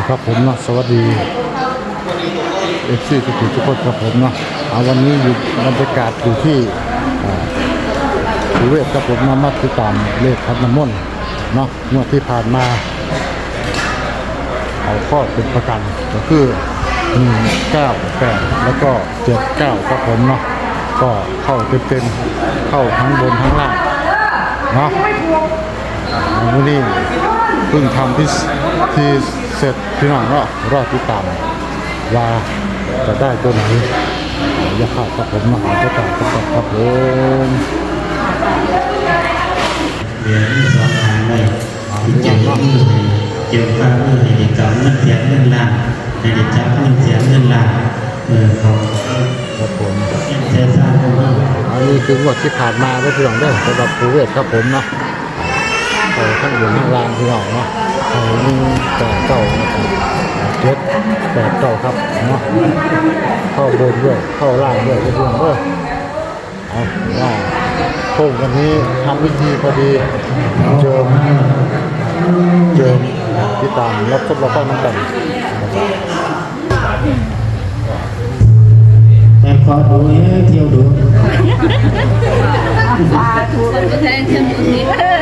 ครับผมเนาะสวัสดีFCทุกคนครับผมเนาะวันนี้อยู่บรรยากาศอยู่ที่ภูเวศครับผมมาติดตามเลขคันน้ำมนต์เนาะเมื่อที่ผ่านมาเอาข้อเป็นประกันก็คือ198แล้วก็79ครับผมเนาะก็เข้าเต็มเข้าทั้งบนทั้งล่างเนาะวันนี้เพิ่งทำที่เสร็จพี่น้องก็รอติดตามว่าจะได้ตัวไหนอย่าขาดครับผมมาหาจะตัดครับผมเหรียญสองทางเลยเกี่ยวกับเกี่ยวกับในเด็กจับเงินเสียเงินล้านในเด็กจับเงินเสียเงินล้านเขาครับผมเสียสร้างเขาบ้างอันนี้คืองวดที่ผ่านมาได้พี่น้องได้สำหรับภูเวศครับผมเนาะไปข้างบนข้างล่างพี่น้องเนาะ189นะครับ789ครับเนาะเข้าบนด้วยเข้าล่างด้วยพี่น้องเด้อเอาว่าโค้งวันนี้ทำวิธีพอดีเจิมที่ตามรับทดลองน้ำกันแต่ขอดูเที่ยวดูถูกแทงเชียงนี้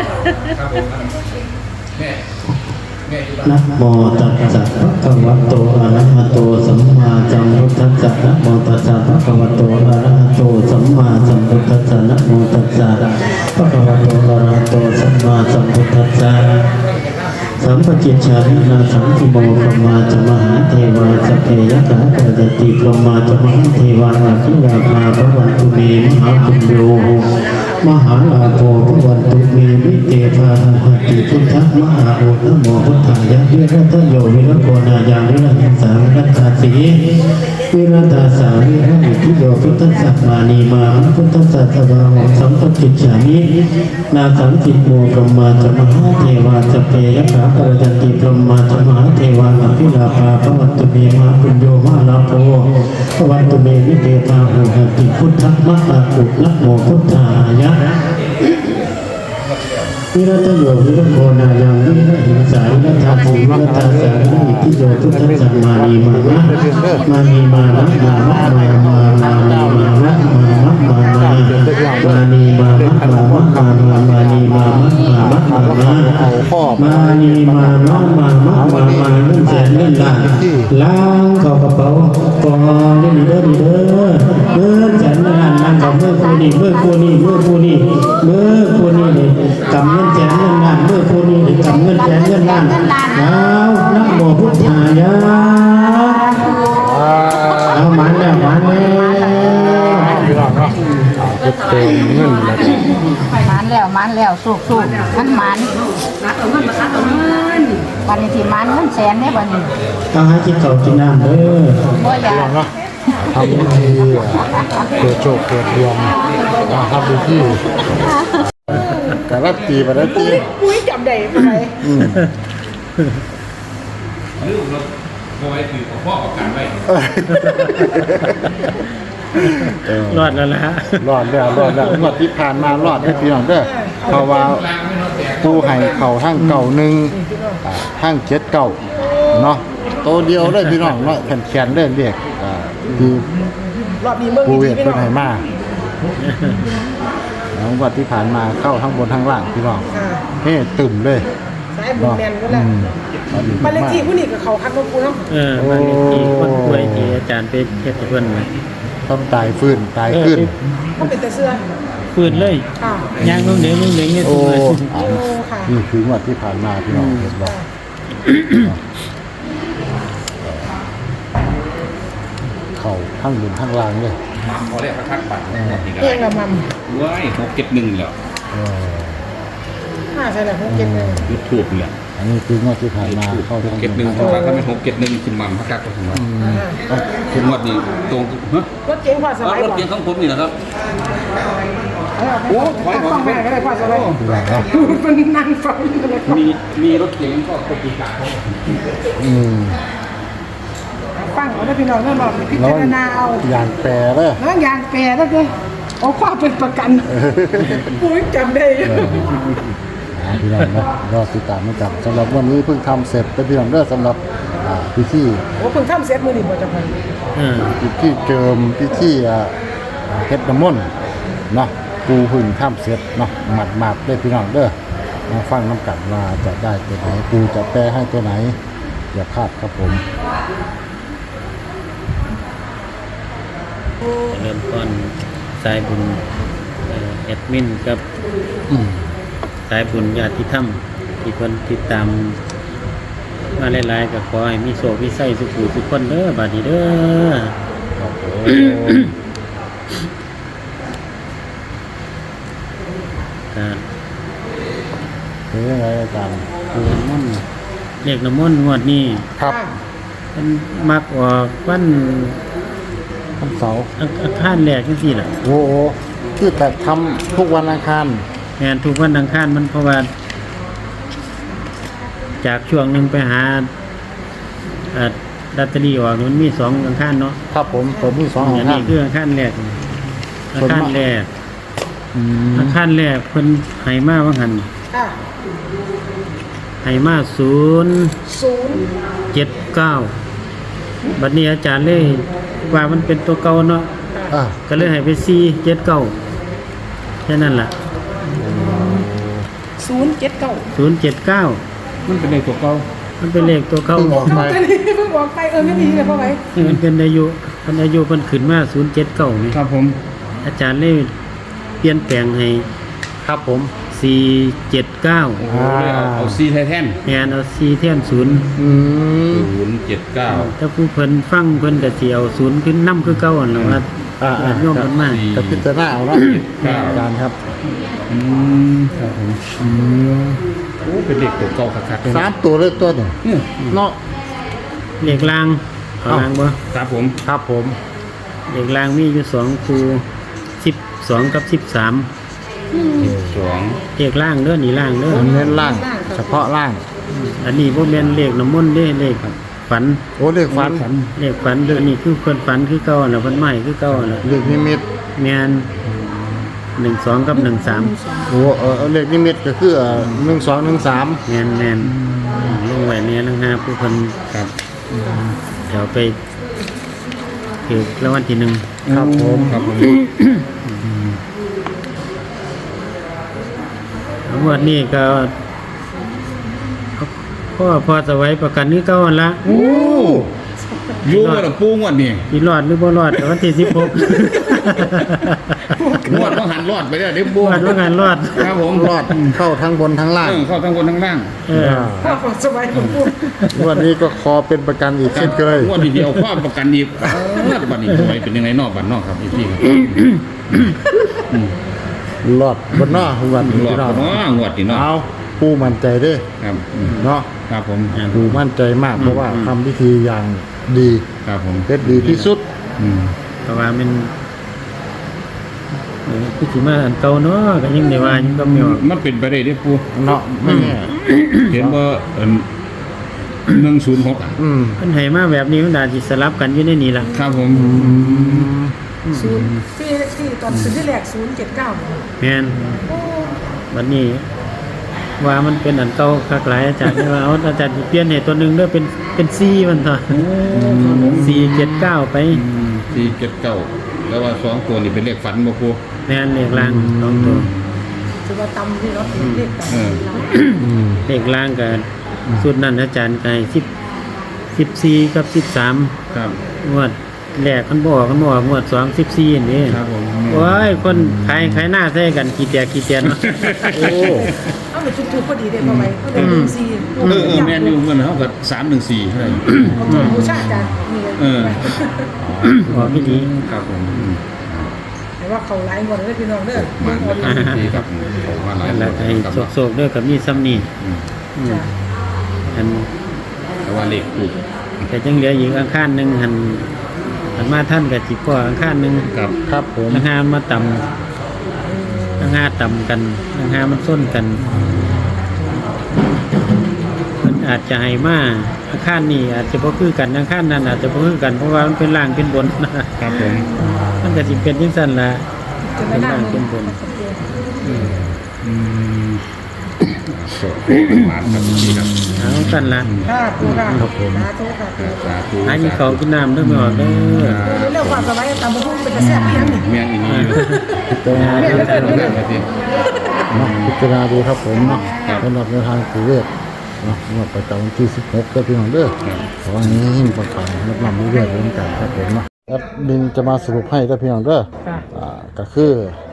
นะโมตัสสะภะคะวะโตอะระหะโตสัมมาสัมพุทธัสสะนะโมตัสสะภะคะวะโตอะระหะโตสัมมาสัมพุทธัสสะนะโมตัสสะภะคะวะโตอะระหะโตสัมมาสัมพุทธัสสะสัมปจิชานินาสังคิโมพรหมาจะมหาเทวาสเพยกะปะจติพรหมาจะมหาเทวาอภิวามาภวันตุเมมหาปุญโยมหาลาโภภวันตุเมวิเตภาหติพุทธมหาโอนะโมพุทธายะวิรัตโยวิรัตโกนายังวิรัตสาวิรัตตาสีวิรัตตาสาวิรัติทิโยพุทธัสสะมานีมาพุทธัสสะทวาหงสัมปจิชานินาสังคิโมพรหมาจะมหาเทวาสเพยกะปะจติพรหมาจะมหาเทวาอภิลาภาภวันตุเมมหาปุญโยมหาลาโภภวันตุเมวิเตภาโหติพุทธมหาปุนะโมพุทธายะวิรัตโยวิรัตโกนายังวิรัตหิงสาวิรัตถาภูวิรัตถาสาวิริทิโยทุตัสสะมานีมานะมานีมานะมานะมานีมานะมานะมานะมานีมานะมานีมานะเอาข้อมานีมานะมาเล่นแสนเล่นล้านล้างเข้ากระเป๋ากองเล่นเด้อแสนล้านล้างกับเมื่อคู่นี้เลยกำเงินแสนเงินล้านเมื่อคู่นี้กำเงินแสนเงินล้านแล้วนะโมพุทธายะเอามันแล้วพี่น้องเนาะจะเติมเงินแล้วมันแล้วสูบมันมันวันนี้ที่มันเงินแสนเนี่ยวันนี้ต้องให้กินข้าวกินน้ำเด้อพี่น้องเนาะทำวิธีเกิดโชคเกิดดวงทำวิธีการันตีมาแล้วตีปุ้ยจับได้ไปลืมแล้วโอ้ยคือของพ่อกับการไว้รอดแล้วนะฮะรอดแล้วงวดที่ผ่านมารอดให้พี่น้องเด้อเพราะว่าตู้ให้เข่าทั้งเก่าหนึ่งทั้ง7เก่าเนาะโตเดียวเลยพี่น้องเนาะแขนเล่นเรียกที่ภูเวศเป็นไหมาแล้วงวดที่ผ่านมาเข้าทั้งบนทั้งล่างพี่น้องเฮ้ตึมเลยสายบุญแมนก็แล้วมาเลขที่ผู้นี้กับเขาคัดมาปูเนาะมาเลขที่คนป่วยที่อาจารย์ไปเทศเพื่อนมาต้องตายฟื้นตายขึ้นก็เป็นแต่เสื้อฟื้นเลยย่างนุ่งเหนียวเนี่ยตัวนี่คืองวดที่ผ่านมาพี่น้องเห็นบอกเขาทั้งบนทั้งล่างเลยพอเรียกทักบัตรเองละมั่มว้าย671แล้วใช่แหละ671 ยูทูบเลยอันนี้คืองวดที่ผ่านมาเข้าทั้ง 671ถ้าเป็น671คุณมัมพักกักก็ถึงว่าคุณงวดนี้ตรงรถเก๋งพอสบายรถเก๋งของผมนี่นะครับโอ้ถอยต้องแม่ก็ได้พอสบายมันนั่งฟังมีรถเก๋งก็ปกติการฟังเอาได้พี่น้องนั่นบอกพิจารณาเอาอย่างแปรเลยอย่างแปรแล้วเลยเอาความเป็นประกันปุ้ยจำได้พี่น้องนะรอติดตามมาจับสำหรับวันนี้เพิ่งทำเสร็จเป็นพี่น้องเด้อสำหรับพิธีโอ้เพิ่งทำเสร็จมื้อนี้บ่จ้ะพ่อพิธีเจิมพิธีเฮ็ดน้ำมนต์เนาะปูพึ่งข้ามเสร็จเนาะหมัดได้พี่น้องเด้อมาฟังน้ำกันว่าจะได้ตัวไหนปูจะแปลให้ตัวไหนอย่าพลาดครับผมเริ่มต้นสายบุญแอดมินกับ สายบุญญาติธรรมที่คนติดตามมาหลายๆก็ขอให้มีโชคมีไส้สุขุทุกคนเด้อบัดนี้เด้อครับผมการเป็นยังไงอาจารย์ปูน้ำมนต์เลขน้ำมนต์งวดนี้ครับมันมักออกวันวันเสาร์อังคารแรกจังซี่ล่ะโอ้โหคือแต่ทำทุกวันอังคารแม่นทุกวันอังคารมันเพราะว่า จากช่วงหนึงไปหาลอตเตอรี่ออกมันมี2อังคารเนาะครับผมผมมี2อัอังนคานี้รคืออังคารแรกอังคารแรกอืมอังคารแรกเพิ่นให้มาว่าหั่นค่ะให้มา 0 079บัดนี้อาจารย์เลยว่ามันเป็นตัวเก่าเนาะอ่ะก็เลยให้ไป479แค่นั้นล่ะ 079 079 มันเป็นเลขตัวเก่ามันเป็นเลขตัวเก่าเพิ่งออกไปอันนี้เพิ่งบอกไปไม่ดีเลยพ่อไว้มันเป็นอายุเพิ่นขึ้นมา079นี่ครับผมอาจารย์เลยเปลี่ยนแปลงให้ครับผม 479 โอ้โหเลยเอาซีไทแทนแทนเอา4แทน0 อืม 079 ถ้าผู้เพิ่นฟังเพิ่นก็สิเอา0ขึ้นนำคือเก่าหั่นล่ะว่าอ่าญาติโยมเพิ่นมากับพิจารณาเอาเนาะครับอาจารย์ครับครับผมโอ้เป็นเลขตัวเก่าคักๆเลย 3 ตัวเลยตัวหนึ่งเนี่ยเนาะเลขล่างเอาล่างบ่ครับผมครับผมเลขล่างมีอยู่2คู่12กับ13 2 เลขล่างเด้อนี่ล่างเด้อผมเน้นล่าง เฉพาะล่างอันนี้บ่แม่นเลขน้ำมนต์เด้เลขฝันโอ้เรียกฝันเลขฝันเด้อนี่คือเพิ่นฝันคือเก่าน่ะเพิ่นใหม่คือเก่าน่ะเรียกนิมิตแม่น12กับ13 โอ้เรียกนิมิตก็คือ1213 แม่นลงไว้เนี่ยนะฮะผู้เพิ่นครับเดี๋ยวไปถือรางวัลที่หนึ่งครับผมครับผมงวดนี้ก็พอสวัยประกันนี้เก่าหั่นละโอ้อยู่กับหลวงปู่งวดนี่สิรอดหรือบ่รอดแต่วันที่16 งวดต้องหันรอดไปแล้วเดี๋ยวงปู่วดว่างานรอดครับผมรอดเข้าทั้งบนทั้งล่างเข้าทั้งบนทั้งล่างเออพ่อบอกสบายผมพูดวันนี้ก็ขอเป็นประกันอีกเช่นเคยงวดนี้เดียวความประกันอีกบัตรนี้ไว้เป็นยังไงนอกบัตรนอกครับพี่ครับรอดบนหน้าวันนี้รอดพี่น้องเนาะงวดนี่เนาะเอาปูมั่นใจเด้อครับเนาะครับผมปูมั่นใจมากเพราะว่าทำพิธีอย่างดีครับผมเด็ดดีที่สุดเพราะว่ามันคือสิมาอันเก่าเนาะก็ยังได้ว่ายังก็มีออกมันเป็นไปได้เด้อปู่เนาะไม่แน่เห็นว่า106อ่ะอืมเพิ่นให้มาแบบนี้มันอาจสิสลับกันอยู่ในนี้ล่ะครับผมที่ตอนซื้อที่แรก079 แม่นบัดนี้ว่ามันเป็นอันเก่าคักหลายอาจารย์ว่าเอาอาจารย์สิเปลี่ยนให้ตัวหนึงเด้อเป็น4มันเถอะ479ไป 479แล้วว่า2ตัวนี่เป็นเลขฝันบ่ปู่แม่นเลขล่าง2ตัวถือว่าตำที่เนาะเลขตำเลขล่างก็สุดนั้นอาจารย์ก็ให้14กับ13 ครับงวดแรกมันบอกงวด2 14นี่ครับผมโอ้ยคนขายหน้าใส่กันขี้แตกขี้เตียนเนาะโอ้เอาไปทุกๆพอดีเด้พ่อไว้ก็ได้4 แม่นอยู่เงินเฮาก็314เท่าไหร่เอาตัวบูชาจารย์นี่บอกไม่ดีครับผมแต่ว่าเขาไลฟ์หมดเลยพี่น้องเด้อมันนะครับที่กับมาหลายแล้วก็ให้กับโศกๆด้วยกับมีซ้ำนี่อันแต่ว่าเลขถูกแต่ยังเหลืออีกอังคารหนึงหันมาท่านกับจิพ่ออังคารหนึงครับครับผมอังคารมาต่ำอังคารต่ำกันอังคารมันส้นกันมันอาจจะให้มาอังคารนี่อาจจะบ่คือกันอังคารนั้นอาจจะบ่คือกันเพราะว่ามันเป็นล่างเป็นบนครับผมมันก็สิเป็นจังซั่นล่ะจะไม่น่าเป็นบนเป็นคหวานครับพี่ครับเอากันละค่ะปูค่ะครับผมสาธุค่ะปูสาธุหากินเขาวกินน้ำเด้อไม่ออกเด้อเรื่องความสบายตามบุญเป็นกระแสเพียงนี่เมียงอีนี้พิจารณาเรื่องเรื่องเรื่องมาสิเนาะพิจารณาดูครับผมเนาะสำหรับในทางปูเวทเนาะงวดประจำวันที่16ก็พี่น้องเด้อขอให้ประกาศรับนำเรื่อยๆเรื่องกันครับผมเนาะแอดมินจะมาสรุปให้ได้พี่น้องเด้อค่ะก็คือ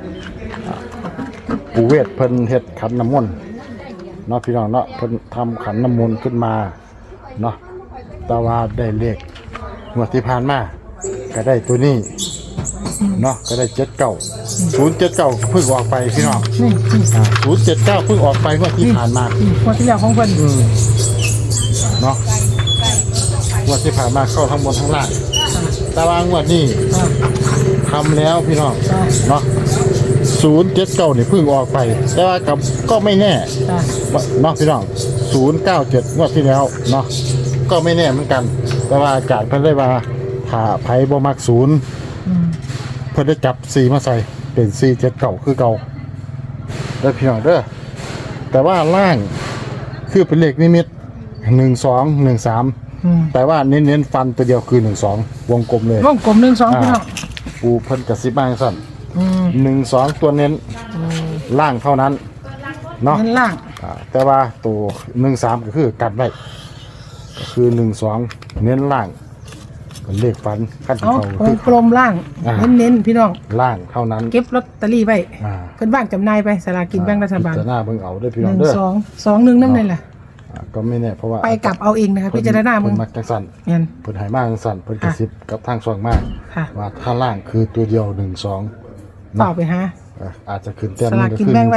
ปูเวทเพิ่นเฮ็ดขันน้ำมนต์เนาะพี่น้องเนาะเพิ่นทำขันน้ำมนต์ขึ้นมาเนาะแต่ว่าได้เลขงวดที่ผ่านมาก็ได้ตัวนี้เนาะก็ได้079เพิ่งออกไปพี่น้อง079เพิ่งออกไปงวดที่ผ่านมาคนที่แล้วของเพิ่นเนาะงวดที่ผ่านมาเข้าทั้งบนทั้งล่างแต่ว่างวดนี้ทำแล้วพี่น้องเนาะ079นี่เพิ่งออกไป แต่ว่ากับก็ไม่แน่ค่ะเนาะพี่น้อง097งวดที่แล้วเนาะก็ไม่แน่เหมือนกัน แต่ว่าอาจารย์เพิ่นได้ว่าถ้าไผบ่มัก0เพิ่นได้จับ4มาใส่เป็น479คือเก่าแล้วพี่น้องเด้อแต่ว่าล่างคือเป็นเลขนิมิต1213แต่ว่าเน้นๆฟันตัวเดียวคือ12วงกลมเลยวงกลม1 2พี่น้องปูเพิ่นกระซิบมาจังซั่น12ตัวเน้นล่างเท่านั้นเนาะเงินล่างแต่ว่าตัว13ก็คือกันไว้ก็คือ12เน้นล่างเป็นเลขฟันขั้นที่เอาเขาวงกลมล่าง เน้นๆพี่น้องล่างเท่านั้นเก็บลอตเตอรี่ไว้อ่าเพิ่นว่างจำหน่ายไปสลากกินแบ่งรัฐบาลพิจารณาเบิ่งเอาเด้อพี่น้อง 1 เด้อ 2 2 1นำได้ล่ะก็ไม่แน่เพราะว่าไปกลับเอาเองนะคะพิจารณามึงเพิ่นมักจังซั่นแม่นเพิ่นให้มาจังซั่นเพิ่นกระซิบกับทางช่องมาค่ะว่าถ้าล่างคือตัวเดียว12 ต่อไปหาอาจจะขึ้นแต้มสลากก็กินคือแบ่งไว้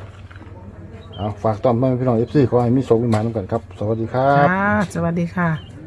13เอาฝากต้อนรับพี่น้อง FC ขอให้มีโชคมีหมายนำกันครับ สวัสดีครับค่ะสวัสดีค่ะ